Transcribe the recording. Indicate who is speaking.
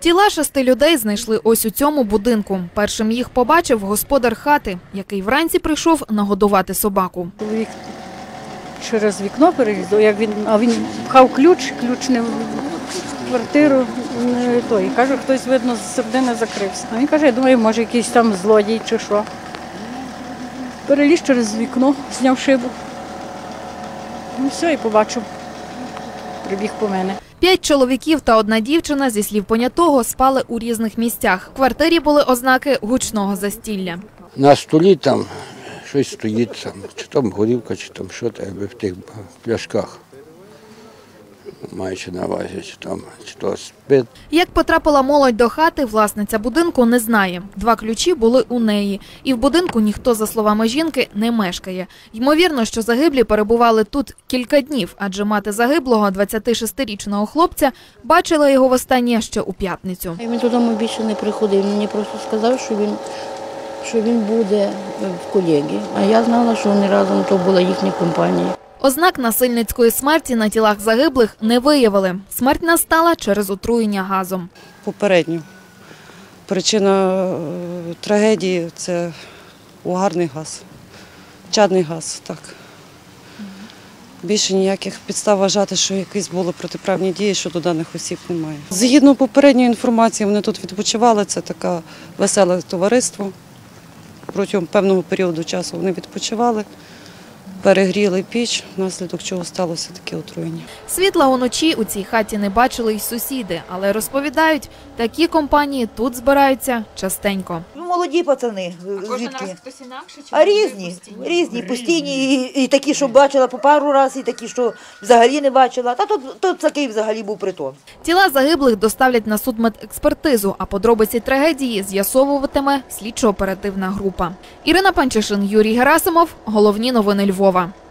Speaker 1: Тіла 6 людей знайшли ось у цьому будинку. Першим їх побачив господар хати, який вранці прийшов нагодувати собаку.
Speaker 2: Чоловік через вікно перелізав, а він пхав ключ не в квартиру, не той. Каже, хтось, видно, з середини закрився. А він каже, я думаю, може якийсь там злодій чи що. Переліз через вікно, зняв шибу. Ну все, і побачив. Прибіг по мене.
Speaker 1: 5 чоловіків та 1 дівчина, зі слів понятого, спали у різних місцях. В квартирі були ознаки гучного застілля.
Speaker 3: На столі там щось стоїть, там, чи там горілка, чи там що там, в тих пляшках. Маючи на увазі, чи то спит.
Speaker 1: Як потрапила молодь до хати, власниця будинку не знає. 2 ключі були у неї. І в будинку ніхто, за словами жінки, не мешкає. Ймовірно, що загиблі перебували тут кілька днів, адже мати загиблого, 26-річного хлопця, бачила його востаннє ще у п'ятницю.
Speaker 4: Він додому більше не приходив. Мені просто сказав, що він буде в колеги. А я знала, що вони разом, то була їхня компанія.
Speaker 1: Ознак насильницької смерті на тілах загиблих не виявили. Смерть настала через отруєння газом.
Speaker 5: Попередньо. Причина трагедії – це угарний газ, чадний газ. Так. Більше ніяких підстав вважати, що якісь були протиправні дії щодо даних осіб немає. Згідно попередньої інформації, вони тут відпочивали, це таке веселе товариство. Протягом певного періоду часу вони відпочивали. Перегріли піч, внаслідок чого сталося таке отруєння.
Speaker 1: Світла уночі у цій хаті не бачили й сусіди, але розповідають, такі компанії тут збираються частенько.
Speaker 6: Молоді пацани, звідки? А різні, постійні, і такі, що бачила по пару разів, і такі, що взагалі не бачила. Та тут такий взагалі був притон.
Speaker 1: Тіла загиблих доставлять на судмедекспертизу, а подробиці трагедії з'ясовуватиме слідчо-оперативна група. Ірина Панчишин, Юрій Герасимов. Головні новини Львова.